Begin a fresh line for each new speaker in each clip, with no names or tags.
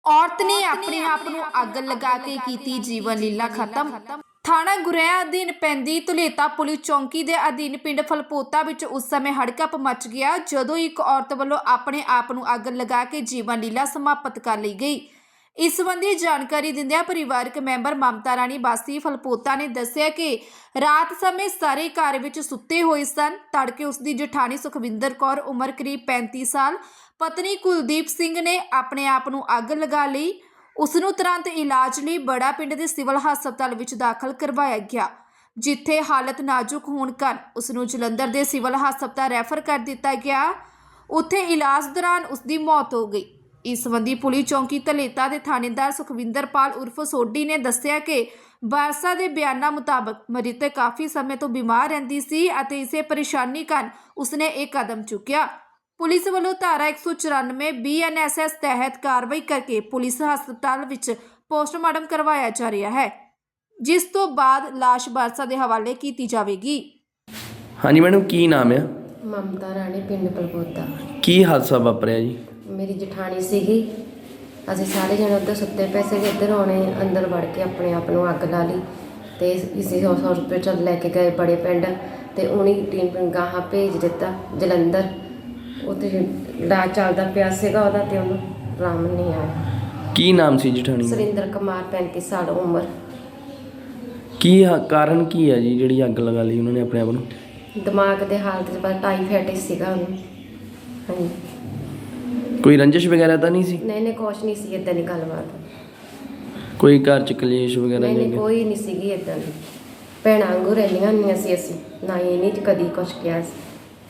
ਔਰਤ ਨੇ ਆਪਣੇ ਆਪ ਨੂੰ ਅੱਗ ਲਗਾ ਕੇ ਕੀਤੀ ਜੀਵਨ ਲੀਲਾ ਖਤਮ। ਥਾਣਾ ਗੁਰੇਆ ਅਧੀਨ ਪੈਂਦੀ ਧੁਲੇਤਾ ਪੁਲਿਸ ਚੌਂਕੀ ਦੇ ਅਧੀਨ ਪਿੰਡ ਫਲਪੋਤਾ ਵਿੱਚ ਉਸ ਸਮੇਂ ਹੜਕੰਪ ਮਚ ਗਿਆ ਜਦੋਂ ਇੱਕ ਔਰਤ ਵੱਲੋਂ ਆਪਣੇ ਆਪ ਨੂੰ ਅੱਗ ਲਗਾ ਕੇ ਜੀਵਨ ਲੀਲਾ ਸਮਾਪਤ ਕਰ ਲਈ ਗਈ। ਇਸ ਸੰਬੰਧੀ ਜਾਣਕਾਰੀ ਦਿੰਦਿਆਂ ਪਰਿਵਾਰਕ ਮੈਂਬਰ ਮਮਤਾ ਰਾਣੀ ਵਾਸੀ ਫਲਪੋਤਾ ਨੇ ਦੱਸਿਆ ਕਿ ਰਾਤ ਸਮੇਂ ਸਾਰੇ ਘਰ ਵਿੱਚ ਸੁੱਤੇ ਹੋਏ ਸਨ। ਤੜਕੇ ਉਸ ਦੀ ਜਠਾਣੀ ਸੁਖਵਿੰਦਰ ਕੌਰ ਉਮਰ ਕਰੀਬ 35 ਸਾਲ ਪਤਨੀ ਕੁਲਦੀਪ ਸਿੰਘ ਨੇ ਆਪਣੇ ਆਪ ਨੂੰ ਅੱਗ ਲਗਾ ਲਈ। ਉਸ ਨੂੰ ਤੁਰੰਤ ਇਲਾਜ ਲਈ ਬੜਾ ਪਿੰਡ ਦੇ ਸਿਵਲ ਹਸਪਤਾਲ ਵਿੱਚ ਦਾਖਲ ਕਰਵਾਇਆ ਗਿਆ, ਜਿੱਥੇ ਹਾਲਤ ਨਾਜ਼ੁਕ ਹੋਣ ਕਾਰਨ ਉਸ ਨੂੰ ਜਲੰਧਰ ਦੇ ਸਿਵਲ ਹਸਪਤਾਲ ਰੈਫਰ ਕਰ ਦਿੱਤਾ ਗਿਆ। ਉੱਥੇ ਇਲਾਜ ਦੌਰਾਨ ਉਸ ਦੀ ਮੌਤ ਹੋ ਗਈ। ਇਸ ਸੰਬੰਧੀ ਪੁਲਿਸ ਚੌਂਕੀ ਧਲੇਤਾ ਦੇ ਥਾਣੇਦਾਰ ਸੁਖਵਿੰਦਰਪਾਲ ਉਰਫ ਸੋਢੀ ਨੇ ਦੱਸਿਆ ਕਿ ਵਾਰਸਾਂ ਦੇ ਬਿਆਨਾਂ ਮੁਤਾਬਕ ਮ੍ਰਿਤਕ ਕਾਫੀ ਸਮੇਂ ਤੋਂ ਬਿਮਾਰ ਰਹਿੰਦੀ ਸੀ ਅਤੇ ਇਸੇ ਪਰੇਸ਼ਾਨੀ ਕਾਰਨ ਉਸਨੇ ਇਹ ਕਦਮ ਚੁੱਕਿਆ। ਪੁਲਿਸ ਵੱਲੋਂ ਧਾਰਾ 194 BNSS ਤਹਿਤ ਕਾਰਵਾਈ ਕਰਕੇ ਪੁਲਿਸ ਹਸਪਤਾਲ ਵਿੱਚ ਪੋਸਟਮਾਰਟਮ ਕਰਵਾਇਆ ਜਾ ਰਿਹਾ ਹੈ, ਜਿਸ ਤੋਂ ਬਾਅਦ ਲਾਸ਼ ਵਾਰਸਾਂ ਦੇ ਹਵਾਲੇ ਕੀਤੀ ਜਾਵੇਗੀ।
ਹਾਂਜੀ ਮੈਡਮ, ਕੀ ਨਾਮ ਹੈ?
ਮਮਤਾ ਰਾਣੀ, ਪਿੰਡ ਫਲਪੋਤਾ।
ਕੀ ਹਾਦਸਾ ਵਾਪਰਿਆ ਜੀ?
ਮੇਰੀ ਜਠਾਣੀ ਸੀਗੀ, ਅਸੀਂ ਸਾਰੇ ਜਣੇ ਉੱਧਰ ਸੁੱਤੇ ਪਏ ਸੀਗੇ। ਇੱਧਰ ਆਉਣੇ ਅੰਦਰ ਵੜ ਕੇ ਆਪਣੇ ਆਪ ਨੂੰ ਅੱਗ ਲਾ ਲਈ ਅਤੇ ਇਸੇ ਹੌਸਪੀਟਲ ਲੈ ਕੇ ਗਏ ਬੜੇ ਪਿੰਡ ਅਤੇ ਉਹਨੇ ਟੀਮ ਗਾਹਾਂ ਭੇਜ ਦਿੱਤਾ ਜਲੰਧਰ। ਉੱਥੇ ਇਲਾਜ ਚੱਲਦਾ ਪਿਆ ਸੀਗਾ ਉਹਦਾ ਅਤੇ ਉਹਨੂੰ ਆਰਾਮ ਨਹੀਂ ਆਇਆ।
ਕੀ ਨਾਮ ਸੀ ਜਠਾਣੀ ਦਾ?
ਸੁਰਿੰਦਰ ਕੁਮਾਰ, 35 ਸਾਲ ਉਮਰ।
ਕੀ ਕਾਰਨ ਕੀ ਹੈ ਜੀ ਜਿਹੜੀ ਅੱਗ ਲਗਾ ਲਈ ਉਹਨਾਂ ਨੇ ਆਪਣੇ ਆਪ ਨੂੰ?
ਦਿਮਾਗ ਦੇ ਹਾਲਤ 'ਚ ਬਸ ਟਾਈਫਾਈਡ ਸੀਗਾ ਉਹਨੂੰ। ਹਾਂਜੀ,
ਕੋਈ ਰੰਜਿਸ਼ ਵਗੈਰਾ ਤਾਂ ਨਹੀਂ ਸੀ?
ਨਹੀਂ ਕੁਛ ਨਹੀਂ ਸੀ ਇੱਦਾਂ ਦੀ ਗੱਲਬਾਤ।
ਕੋਈ ਘਰ ਚ ਕਲੇਸ਼ ਵਗੈਰਾ?
ਨਹੀਂ ਕੋਈ ਨਹੀਂ ਸੀਗੀ ਇੱਦਾਂ ਦੀ। ਭੈਣਾਂ ਵਾਂਗੂ ਰਹਿੰਦੀਆਂ ਹੁੰਦੀਆਂ ਸੀ ਅਸੀਂ, ਨਾ ਇਹ ਨਹੀਂ ਕਦੀ ਕੁਛ ਕਿਹਾ ਸੀ।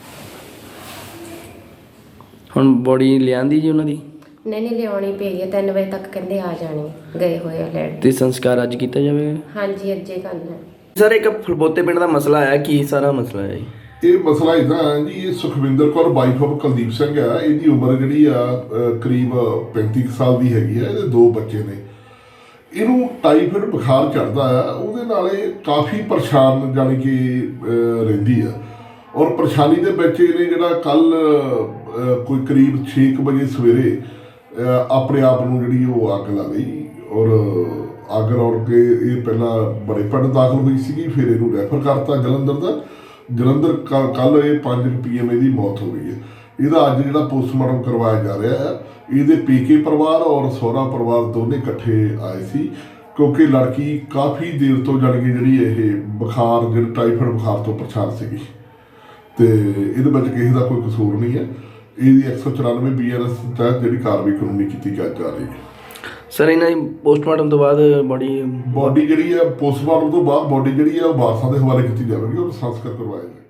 ਹੁਣ ਬੋਡੀ ਲਿਆਂਦੀ ਜੀ ਉਹਨਾਂ ਦੀ?
ਨਹੀਂ ਲਿਆਉਣੀ ਪਈ ਹੈ, 3 ਵਜੇ ਤੱਕ ਕਹਿੰਦੇ ਆ ਜਾਣੀ, ਗਏ ਹੋਏ ਆ ਲੈਣ।
ਤੇ ਸੰਸਕਾਰ ਅੱਜ ਕੀਤਾ ਜਾਵੇਗਾ?
ਹਾਂਜੀ, ਅੱਜੇ ਕਰਨਾ।
ਸਰ, ਇੱਕ ਫਲਪੋਤੇ ਪਿੰਡ ਦਾ ਮਸਲਾ ਆਇਆ, ਕੀ ਸਾਰਾ ਮਸਲਾ ਹੈ ਜੀ?
ਇਹ ਮਸਲਾ ਇੱਦਾਂ ਹੈ ਜੀ, ਇਹ ਸੁਖਵਿੰਦਰ ਕੌਰ ਵਾਈਫ ਆਫ ਕੁਲਦੀਪ ਸਿੰਘ ਆ। ਇਹਦੀ ਉਮਰ ਜਿਹੜੀ ਆ ਕਰੀਬ 35 ਸਾਲ ਦੀ ਹੈਗੀ ਆ। ਇਹਦੇ 2 ਬੱਚੇ ਨੇ। ਇਹਨੂੰ ਟਾਈਫਾਇਡ ਬੁਖਾਰ ਚੜ੍ਹਦਾ ਆ, ਉਹਦੇ ਨਾਲ ਇਹ ਕਾਫੀ ਪਰੇਸ਼ਾਨ ਜਾਣੀ ਕਿ ਰਹਿੰਦੀ ਆ। ਔਰ ਪਰੇਸ਼ਾਨੀ ਦੇ ਵਿੱਚ ਇਹਨੇ ਜਿਹੜਾ ਕੱਲ੍ਹ ਕੋਈ ਕਰੀਬ 6 ਵਜੇ ਸਵੇਰੇ ਆਪਣੇ ਆਪ ਨੂੰ ਜਿਹੜੀ ਉਹ ਅੱਗ ਲਾ ਲਈ। ਔਰ ਅੱਗ ਲਾਉਣ ਕੇ ਇਹ ਪਹਿਲਾਂ ਬੜੇ ਪਿੰਡ ਦਾਖਲ ਹੋਈ ਸੀਗੀ, ਫਿਰ ਇਹਨੂੰ ਰੈਫਰ ਕਰਤਾ ਜਲੰਧਰ ਦਾ। ਜਲੰਧਰ ਕੱਲ੍ਹ ਇਹ 5 PM ਇਹਦੀ ਮੌਤ ਹੋ ਗਈ ਹੈ। ਇਹਦਾ ਅੱਜ ਜਿਹੜਾ ਪੋਸਟਮਾਰਟਮ ਕਰਵਾਇਆ ਜਾ ਰਿਹਾ ਹੈ। ਇਹਦੇ ਪੇਕੇ ਪਰਿਵਾਰ ਔਰ ਸਹੁਰਾ ਪਰਿਵਾਰ ਦੋਨੇ ਇਕੱਠੇ ਆਏ ਸੀ, ਕਿਉਂਕਿ ਲੜਕੀ ਕਾਫੀ ਦੇਰ ਤੋਂ ਜਾਣੀ ਕਿ ਜਿਹੜੀ ਇਹ ਬੁਖਾਰ, ਜਿਹੜਾ ਟਾਈਫਾਇਡ ਬੁਖਾਰ ਤੋਂ ਪਰੇਸ਼ਾਨ ਸੀਗੀ ਅਤੇ ਇਹਦੇ ਵਿੱਚ ਕਿਸੇ ਦਾ ਕੋਈ ਕਸੂਰ ਨਹੀਂ ਹੈ। ਇਹਦੀ 194 BNS ਤਹਿਤ ਜਿਹੜੀ ਕਾਰਵਾਈ ਕਾਨੂੰਨੀ ਕੀਤੀ ਜਾ ਰਹੀ ਹੈ।
ਸਰ, ਇਹਨਾਂ ਦੀ ਪੋਸਟਮਾਰਟਮ ਤੋਂ ਬਾਅਦ ਬੋਡੀ
ਜਿਹੜੀ ਹੈ ਪੋਸਟਮਾਰਟਮ ਤੋਂ ਬਾਅਦ ਬੋਡੀ ਜਿਹੜੀ ਹੈ ਉਹ ਵਾਰਸਾਂ ਦੇ ਹਵਾਲੇ ਕੀਤੀ ਜਾਵੇਗੀ ਔਰ ਸੰਸਕਾਰ ਕਰਵਾਇਆ ਜਾਵੇਗਾ।